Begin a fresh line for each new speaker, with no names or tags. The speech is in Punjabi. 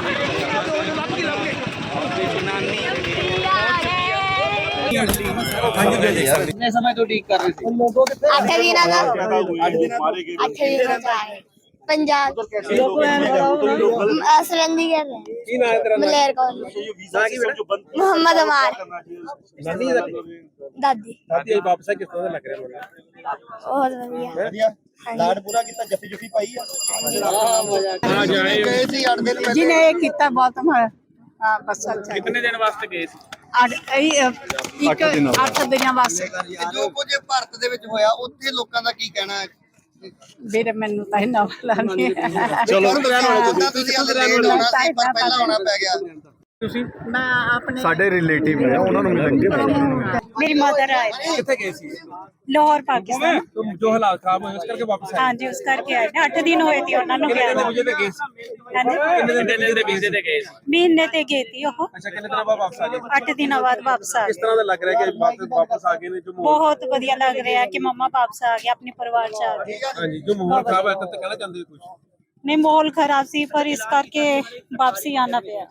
कितने समय तो ठीक कर रहे थे?
8 ਦਿਨਾਂ ਦਾ 8 ਦਿਨਾਂ ਦਾ पंजाब असरंदी कर रहे हैं मलेर कॉलेज मोहम्मद अमार दादी
वापस किस तरह लग रहा है?
बहुत बढ़िया
ਲਾੜ ਪੂਰਾ ਕੀਤਾ ਜੱਫੀ ਜੁਫੀ ਪਾਈ ਆ
गए
थे 8 दिन
जिन्हें ये कितना बहुत हमारा हाँ बस अच्छा
कितने दिन वास्ते गए थे?
8 ਦਿਨਾਂ ਵਾਸਤੇ
ਜੋ ਕੁਝ ਭਾਰਤ ਦੇ ਵਿੱਚ ਹੋਇਆ ਉੱਥੇ ਲੋਕਾਂ ਦਾ ਕੀ ਕਹਿਣਾ ਹੈ
ਵੀਰੇ ਮੈਨੂੰ ਤਾਂ ਇਹਨਾਂ ਵਾਲਾ ਨਹੀਂ ਹੈ।
ਚਲੋ ਤੁਸੀਂ ਹਾਲੇ ਲੇਟ ਹੋਣਾ ਸੀ ਪਰ ਪਹਿਲਾਂ ਆਉਣਾ ਪੈ ਗਿਆ
ਮੈਂ ਆਪਣੇ
ਸਾਡੇ ਰਿਲੇਟਿਵ ਨੇ ਉਹਨਾਂ ਨੂੰ ਮਿਲਣਗੇ
मेरी मदर आए
कितने गए थे?
लाहौर पाकिस्तान
तो जो हालात खराब हुए उस करके वापस आए?
हाँ जी उस करके आए 8 दिन होए थे ਉਹਨਾਂ ਨੂੰ
कितने
ਗਿਆ
दिन मुझे गए थे?
हाँ जी
कितने दिन ਦੇ ਵੀਜ਼ੇ ਤੇ ਗਏ ਸੀ?
महीने ते गई थी वो
ਅੱਛਾ ਕਿੰਨੇ ਦਿਨਾਂ ਬਾਅਦ ਵਾਪਸ ਆ ਗਏ?
8 ਦਿਨਾਂ ਬਾਅਦ ਵਾਪਸ ਆ
ਕਿਸ
गए
ਤਰ੍ਹਾਂ ਦਾ ਲੱਗ ਰਿਹਾ ਕਿ ਵਾਪਸ ਆ ਗਏ ਨੇ ਜੋ ਮਾਹੌਲ
ਬਹੁਤ ਵਧੀਆ ਲੱਗ ਰਿਹਾ ਕਿ ਮੰਮਾ ਵਾਪਸ ਆ ਗਏ ਆਪਣੇ ਪਰਿਵਾਰ ਚ ਆ ਗਏ
ਹਾਂਜੀ ਜੋ ਮਾਹੌਲ ਖਰਾਬ ਹੈ ਤਾਂ ਕਹਿਣਾ ਚਾਹੁੰਦੇ ਕੁਝ?
ਨਹੀਂ ਮਾਹੌਲ ਖਰਾਬ ਸੀ ਪਰ ਇਸ ਕਰਕੇ ਵਾਪਸੀ ਆਣਾ ਪਿਆ